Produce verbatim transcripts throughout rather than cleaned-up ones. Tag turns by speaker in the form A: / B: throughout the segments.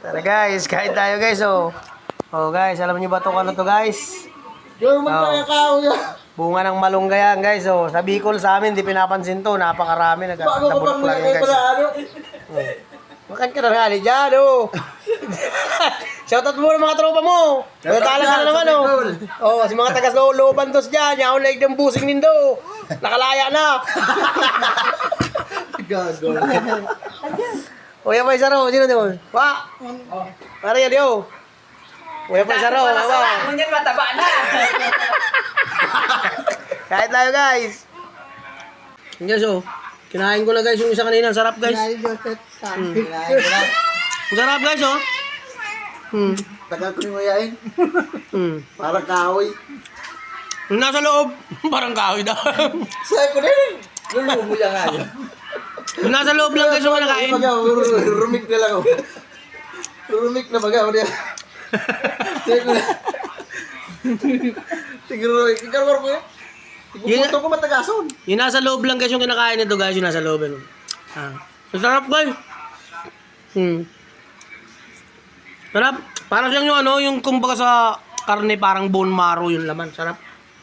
A: Tara guys, kain tayo guys oh. Oh guys, alam niyo ba itong ano to guys?
B: Yung magkakao yan.
A: Bunga ng malunggay yan guys oh. Sa Bicol sa amin, di pinapansin to. Napakarami.
B: Paano ko
A: Nagkakabulok
B: pang
A: lang yan
B: nilagay
A: guys.
B: pala ano?
A: Oh. Makan ka na nga dyan oh. Shoutout mo ng mga tropa mo. Natala ka na naman oh. Oh, si mga tagas looban tos dyan. Yaon like ng busing nindo. Nakalaya na.
B: Gago.
A: Uya pa isa raw. Sino doon? Wa. Para yan yo. Uya pa isa raw. Wa.
C: Munyan mataba na.
A: Kahit tayo guys. Yes oh. Kinain ko na guys yung isa kanina. Sarap guys.
B: Kinain Joseph.
A: Hmm.
B: Kinain ko lang.
A: Sarap guys oh. Hmm.
B: Tagal ko yung mayain.
A: Hmm.
B: Parang kahoy.
A: Yung nasa loob. Parang kahoy daw.
B: Sabi ko din. Lulumuya nga yun.
A: Yung nasa loob lang guys yung nakain.
B: Rumik na lang ako. Rumik na baga. Sabi ko na. Siguro, ikaw mo yun. Iguputo ko matagason.
A: Yung nasa loob lang guys yung kinakain nito guys. Yung nasa loob. Ano. Ah. Sarap guys. Hmm. Sarap. Parang siyang yung ano, yung kumbaga sa karne parang bone marrow yung laman. Sarap.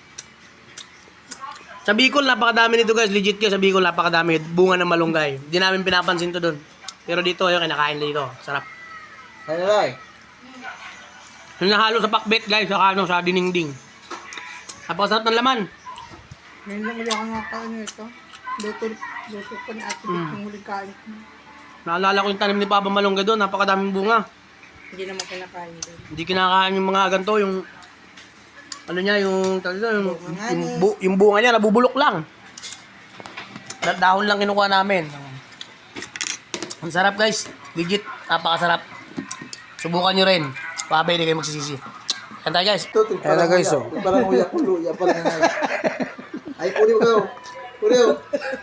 A: Sa Bicol, napakadami nito guys. Legit guys, sa Bicol, napakadami. Bunga ng malunggay. Hindi namin pinapansin to doon. Pero dito, yung kinakain dito. Sarap.
B: Ano lang?
A: Yung nahalo sa pakbet guys, sa ano, sa diningding. Napakasarap ng laman.
D: Ngayon lang ulit ako nakakain ito. Luto, luto ko ni Ate Beth yung huling kain ko.
A: Naalala ko yung tanim ni Papa Malunggay doon. Napakadaming bunga.
D: Hindi naman kinakain din.
A: Hindi kinakain yung mga ganito, yung ano niya, yung talaga yung,
D: Bunga
A: yung,
D: ni.
A: bu- yung bunga niya nabubulok lang. Da- dahon lang kinukuha namin. Ang sarap guys, legit, napakasarap. Subukan nyo rin. Pabay, hindi kayo magsisisi. Yan tayo guys.
B: Ito,
A: Ayan na guys oh.
B: Parang uyak ko, luya parang nga. Ay, puli mo ka. Puli mo.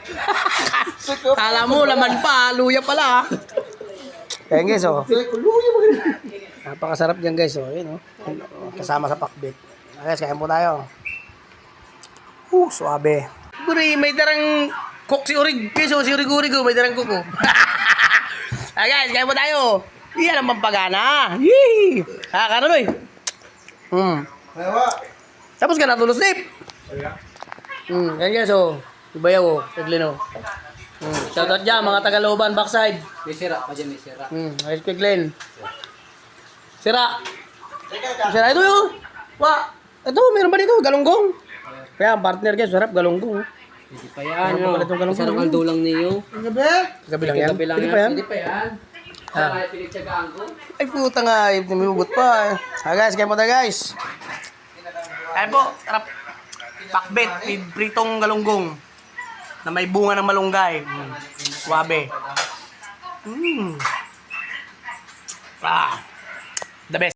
A: Kala mo, laman pa, luya pala. Ayan guys oh.
B: Sabi ko, luya mo.
A: Napakasarap dyan guys oh. Ayun oh. Kasama sa pakbet. Guys, kain po tayo. Uh, suabe. Buri, may darang cook si Urig. Guys oh, si Urig-Urig oh, may darang cook oh. Ah guys, kain po tayo. Iyan ang pampagana. Yee! Kakano no eh. Hmm.
B: Ayawa.
A: Tapos ka natulog sleep. Hmm, yan guys oh. Ibayaw oh, Eglin oh. Hmm, shoutout dyan mga Tagalooban backside.
C: May sira pa dyan, may sira.
A: Hmm, ayos ko Glenn. Sira. Sira ito yun. Wa. Ito, meron ba dito? Galunggong. Kaya ang partner guys, sarap galunggong.
C: Hindi pa yan.
A: Meron pa pala itong galunggong.
C: Sarang kaldo lang niyo.
D: Ang gabi?
A: Gabi lang yan.
C: Gabi lang
A: Pwede
C: yan.
A: pa yan?
C: Hindi pa yan.
A: Ah.
C: Saka pinagtsagaan ko.
A: Ay puta nga, ay namimugot pa. Ah guys, kain po tayo guys. Kain po, sarap. Pakbet, with pritong galunggong. Na may bunga ng malunggay. Mm. Suwabe. Mm. Ah. The best.